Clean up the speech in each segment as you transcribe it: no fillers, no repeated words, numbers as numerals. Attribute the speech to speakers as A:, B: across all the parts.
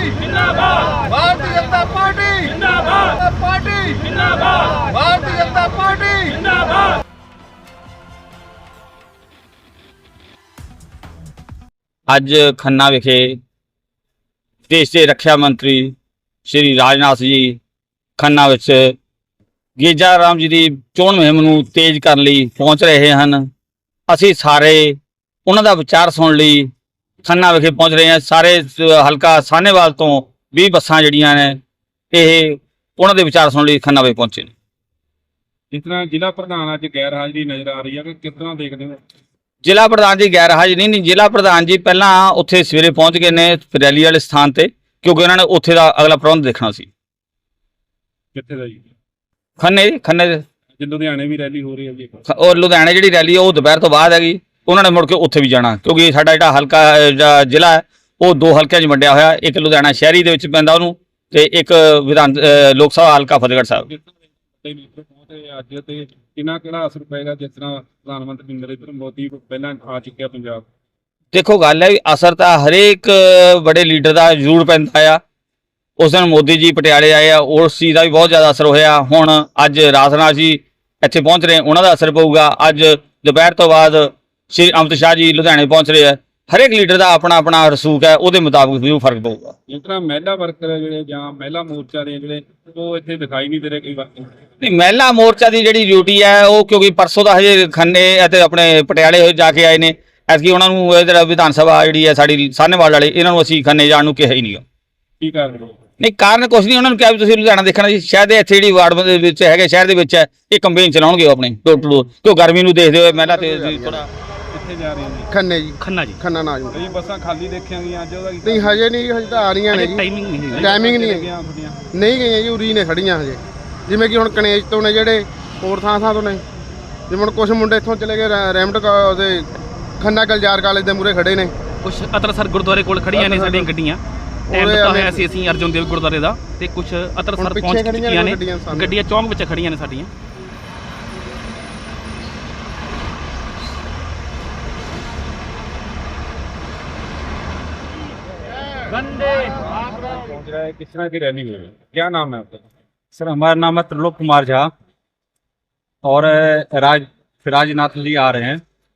A: जिंदाबाद, भारतीय जनता पार्टी जिंदाबाद, पार्टी जिंदाबाद, भारतीय जनता पार्टी जिंदाबाद।
B: ਅੱਜ ਖੰਨਾ ਵਿਖੇ ਦੇਸ਼ ਦੇ ਰੱਖਿਆ ਮੰਤਰੀ ਸ਼੍ਰੀ ਰਾਜਨਾਥ ਜੀ ਖੰਨਾ ਵਿੱਚ ਗੇਜਾ ਰਾਮ ਜੀ ਦੀ ਚੋਣ ਮੁਹਿੰਮ ਨੂੰ ਤੇਜ਼ ਕਰਨ ਲਈ ਪਹੁੰਚ ਰਹੇ ਹਨ। ਅਸੀਂ ਸਾਰੇ ਉਹਨਾਂ ਦਾ ਵਿਚਾਰ ਸੁਣਨ ਲਈ ਖੰਨਾ ਵਿਖੇ ਪਹੁੰਚ ਰਹੇ ਹਾਂ। ਸਾਰੇ ਹਲਕਾ ਸਾਹਨੇਵਾਲ ਤੋਂ 20 ਬੱਸਾਂ ਜਿਹੜੀਆਂ ਨੇ ਇਹ ਉਹਨਾਂ ਦੇ ਵਿਚਾਰ ਸੁਣਨ ਲਈ ਖੰਨਾ ਵਿਖੇ ਪਹੁੰਚੇ ਨੇ।
C: ਜਿਸ ਤਰ੍ਹਾਂ ਜ਼ਿਲ੍ਹਾ ਪ੍ਰਧਾਨ ਅੱਜ ਗੈਰ ਹਾਜ਼ਰੀ ਨਜ਼ਰ ਆ ਰਹੀ ਹੈ, ਕਿ ਕਿਸ ਤਰ੍ਹਾਂ ਦੇਖਦੇ ਹੋ?
B: ਜ਼ਿਲ੍ਹਾ ਪ੍ਰਧਾਨ ਜੀ ਗੈਰ ਹਾਜ਼ਰੀ ਨਹੀਂ, ਜ਼ਿਲ੍ਹਾ ਪ੍ਰਧਾਨ ਜੀ ਪਹਿਲਾਂ ਉੱਥੇ ਸਵੇਰੇ ਪਹੁੰਚ ਗਏ ਨੇ ਰੈਲੀ ਵਾਲੇ ਸਥਾਨ ਤੇ, ਕਿਉਂਕਿ ਉਹਨਾਂ ਨੇ ਉੱਥੇ ਦਾ ਅਗਲਾ ਪ੍ਰਬੰਧ ਦੇਖਣਾ ਸੀ।
C: ਕਿੱਥੇ ਦਾ ਜੀ?
B: ਖੰਨੇ
C: ਅੱਜ ਲੁਧਿਆਣੇ ਵੀ ਰੈਲੀ ਹੋ ਰਹੀ ਹੈ ਜੀ।
B: ਔਰ ਲੁਧਿਆਣੇ ਜਿਹੜੀ ਰੈਲੀ ਉਹ ਦੁਪਹਿਰ ਤੋਂ ਬਾਅਦ ਹੈਗੀ, ਉਹਨਾਂ ਨੇ ਮੁੜ ਕੇ ਉੱਥੇ ਵੀ ਜਾਣਾ, ਕਿਉਂਕਿ ਸਾਡਾ ਜਿਹੜਾ ਹਲਕਾ ਜ਼ਿਲ੍ਹਾ ਹੈ ਉਹ 2 ਹਲਕਿਆਂ 'ਚ ਵੰਡਿਆ ਹੋਇਆ। ਇੱਕ ਲੁਧਿਆਣਾ ਸ਼ਹਿਰੀ ਦੇ ਵਿੱਚ ਪੈਂਦਾ ਉਹਨੂੰ, ਤੇ ਇੱਕ ਵਿਧਾਨ ਲੋਕ ਸਭਾ ਹਲਕਾ ਫਤਿਹਗੜ੍ਹ ਸਾਹਿਬ।
C: ਅੱਜ ਤੇ ਕਿਹੜਾ ਅਸਰ ਪਏਗਾ, ਜਿਸ ਤਰ੍ਹਾਂ ਪ੍ਰਧਾਨ ਮੰਤਰੀ ਨਰਿੰਦਰ ਮੋਦੀ ਪਹਿਲਾਂ ਆ ਚੁੱਕਿਆ ਪੰਜਾਬ?
B: ਦੇਖੋ ਗੱਲ ਹੈ ਵੀ ਅਸਰ ਤਾਂ ਹਰੇਕ ਬੜੇ ਲੀਡਰ ਦਾ ਜ਼ਰੂਰ ਪੈਂਦਾ ਆ। ਉਸ ਦਿਨ ਮੋਦੀ ਜੀ ਪਟਿਆਲੇ ਆਏ ਆ, ਉਸ ਚੀਜ਼ ਦਾ ਵੀ ਬਹੁਤ ਜ਼ਿਆਦਾ ਅਸਰ ਹੋਇਆ। ਹੁਣ ਅੱਜ ਰਾਜਨਾਥ ਜੀ ਇੱਥੇ ਪਹੁੰਚ ਰਹੇ, ਉਹਨਾਂ ਦਾ ਅਸਰ ਪਊਗਾ। ਅੱਜ ਦੁਪਹਿਰ ਤੋਂ ਬਾਅਦ ਸ਼੍ਰੀ ਅਮਿਤ ਸ਼ਾਹ ਜੀ ਲੁਧਿਆਣੇ ਪਹੁੰਚ ਰਹੇ ਆ। ਹਰੇਕ ਲੀਡਰ ਦਾ ਆਪਣਾ ਆਪਣਾ ਰਸੂਖ ਹੈ, ਉਹਦੇ ਮੁਤਾਬਕ ਵੀ ਫਰਕ ਪਊਗਾ।
C: ਜਿਸ ਤਰ੍ਹਾਂ ਮਹਿਲਾ ਵਰਕਰ ਹੈ ਜਿਹੜੇ ਜਾਂ ਮਹਿਲਾ ਮੋਰਚਾ ਦੇ ਜਿਹੜੇ ਉਹ ਇੱਥੇ ਦਿਖਾਈ ਨਹੀਂ ਦੇ ਰਹੇ ਕਈ ਵਾਰ।
B: ਨਹੀਂ, ਮਹਿਲਾ ਮੋਰਚਾ ਦੀ ਜਿਹੜੀ ਡਿਊਟੀ ਹੈ ਉਹ ਕਿਉਂਕਿ ਪਰਸੋਂ ਦਾ ਹਜੇ ਖੰਨੇ ਅਤੇ ਆਪਣੇ ਪਟਿਆਲੇ ਜਾ ਕੇ ਆਏ ਨੇ, ਐਤਕੀ ਉਹਨਾਂ ਨੂੰ ਜਿਹੜਾ ਵਿਧਾਨ ਸਭਾ ਜਿਹੜੀ ਹੈ ਸਾਡੀ ਸਾਹਨੇਵਾਲ ਵਾਲੇ, ਇਹਨਾਂ ਨੂੰ ਅਸੀਂ ਖੰਨੇ ਜਾਣ ਨੂੰ ਕਿਹਾ ਹੀ ਨਹੀਂ।
C: ਕੀ ਕਾਰਨ?
B: ਨਹੀਂ, ਕਾਰਨ ਕੁਛ ਨਹੀਂ, ਉਹਨਾਂ ਨੂੰ ਕਿਹਾ ਵੀ ਤੁਸੀਂ ਲੁਧਿਆਣਾ ਦੇਖਣਾ ਜੀ। ਸ਼ਹਿਰ ਦੇ ਇੱਥੇ ਜਿਹੜੀ ਵਾਰਡ ਦੇ ਵਿੱਚ ਹੈਗੇ, ਸ਼ਹਿਰ ਦੇ ਵਿੱਚ ਹੈ, ਇਹ ਕੰਪੇਨ ਚਲਾਉਣਗੇ ਉਹ ਆਪਣੀ ਡੋਰ ਟੂ ਡੋਰ, ਕਿਉਂ ਗਰਮੀ ਨੂੰ ਦੇਖਦੇ ਹੋਏ ਮਹਿਲਾ ਤੇ ਥੋੜਾ।
C: ਕਿੱਥੇ ਜਾ ਰਹੇ ਨੇ?
D: ਖੰਨੇ ਜੀ।
E: ਖੰਨਾ
D: ਨਾ ਜੀ।
C: ਕਈ ਬੱਸਾਂ ਖਾਲੀ ਦੇਖੀਆਂ ਗਈਆਂ ਅੱਜ, ਉਹਦਾ
D: ਨਹੀਂ ਹਜੇ ਨਹੀਂ, ਹਜੇ ਤਾਂ ਆ ਰਹੀਆਂ ਨੇ ਜੀ।
E: ਟਾਈਮਿੰਗ ਨਹੀਂ ਹੈ,
D: ਟਾਈਮਿੰਗ ਨਹੀਂ ਹੈ,
C: ਤੁਹਾਡੀਆਂ
D: ਨਹੀਂ ਗਈਆਂ ਜੀ, ਉਰੀ ਨੇ ਖੜੀਆਂ ਹਜੇ। ਜਿਵੇਂ ਕਿ ਹੁਣ ਕਨੇਜ ਤੋਂ ਨੇ ਜਿਹੜੇ, ਹੋਰ ਥਾਂ ਤੋਂ ਨੇ। ਜਿਵੇਂ ਹੁਣ ਕੁਝ ਮੁੰਡੇ ਇੱਥੋਂ ਚਲੇ ਗਏ ਰੈਮਟ ਉਹਦੇ ਖੰਨਾ ਗਲਜਾਰ ਕਾਲਜ ਦੇ ਮੂਹਰੇ ਖੜੇ ਨੇ।
E: ਕੁਝ ਅਤਰਸਰ ਗੁਰਦੁਆਰੇ ਕੋਲ ਖੜੀਆਂ ਨੇ ਸਾਡੀਆਂ ਗੱਡੀਆਂ। ਟਾਈਮ ਦਿੱਤਾ ਹੋਇਆ ਸੀ ਅਸੀਂ ਅਰਜੁਨ ਦੇਵ ਗੁਰਦੁਆਰੇ ਦਾ, ਤੇ ਕੁਝ ਅਤਰਸਰ ਪਹੁੰਚ ਚੁੱਕੀਆਂ ਨੇ ਗੱਡੀਆਂ, ਚੌਂਕ ਵਿੱਚ ਖੜੀਆਂ ਨੇ ਸਾਡੀਆਂ।
C: पहुंच रहा है, किस तरह की रैली हुई है? क्या नाम है आपका?
F: सर हमारा नाम है त्रिलोक कुमार झा और राजनाथ जी आ रहे हैं,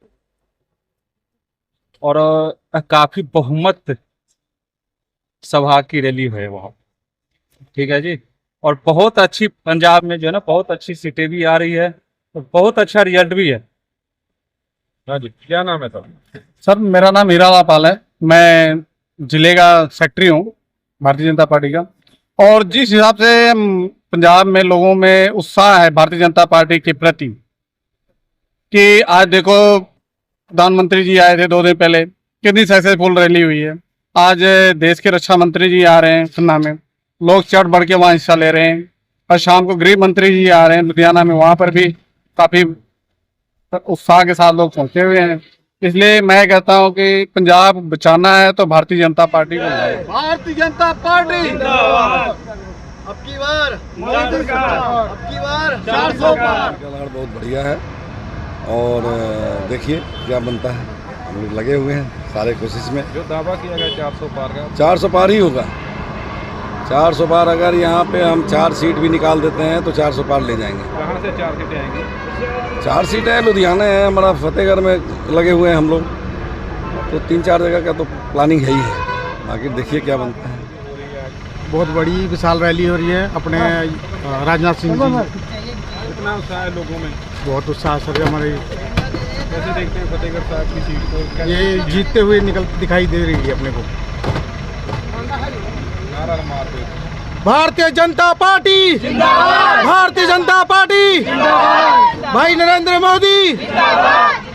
F: और काफी बहुमत सभा की रैली है वहाँ, ठीक है जी। और बहुत अच्छी पंजाब में जो है ना, बहुत अच्छी सीटें भी आ रही है और बहुत अच्छा रिजल्ट भी है।
C: हाँ जी, क्या नाम है
G: सर मेरा नाम हीरालाल पाल है, मैं जिले का सेक्रेटरी हूँ भारतीय जनता पार्टी का। और जिस हिसाब से पंजाब में लोगों में उत्साह है भारतीय जनता पार्टी के प्रति, कि आज देखो प्रधानमंत्री जी आए थे 2 दिन पहले, कितनी सक्सेसफुल रैली हुई है। आज देश के रक्षा मंत्री जी आ रहे हैं खन्ना में, लोग चढ़ बढ़ के वहाँ हिस्सा ले रहे हैं। और शाम को गृह मंत्री जी आ रहे हैं लुधियाना में, वहाँ पर भी काफ़ी उत्साह के साथ लोग पहुँचे हुए हैं। इसलिए मैं कहता हूं कि पंजाब बचाना है तो भारतीय जनता पार्टी को
A: भारतीय जनता पार्टी जिंदाबाद। अब की बार मोदी सरकार, अब की बार 400 पार।
H: बहुत बढ़िया है, और देखिए क्या बनता है। हम लोग लगे हुए हैं सारे कोशिश में।
C: जो दावा किया गया 400 पार का,
H: 400 पार ही होगा। 400 पार अगर यहाँ पे हम 4 सीट भी निकाल देते हैं तो 400 पार ले जाएंगे।
C: कहाँ से 4 सीटें आएंगी?
H: 4 सीटें लुधियाना है हमारा, फतेहगढ़ में लगे हुए हैं हम लोग, तो 3-4 जगह का तो प्लानिंग है ही है। बाकी देखिए क्या बनता है।
D: बहुत बड़ी विशाल रैली हो रही है अपने राजनाथ सिंह जी।
C: कितना उत्साह है लोगों में?
D: बहुत उत्साह सर। हमारे
C: कैसे देखते हैं फतेहगढ़ साहब की सीट को?
D: ये जीतते हुए दिखाई दे रही है अपने को।
C: नारा मारते
D: भारतीय जनता पार्टी जिंदाबाद, भारतीय जनता पार्टी जिंदाबाद, भाई नरेंद्र मोदी जिंदाबाद।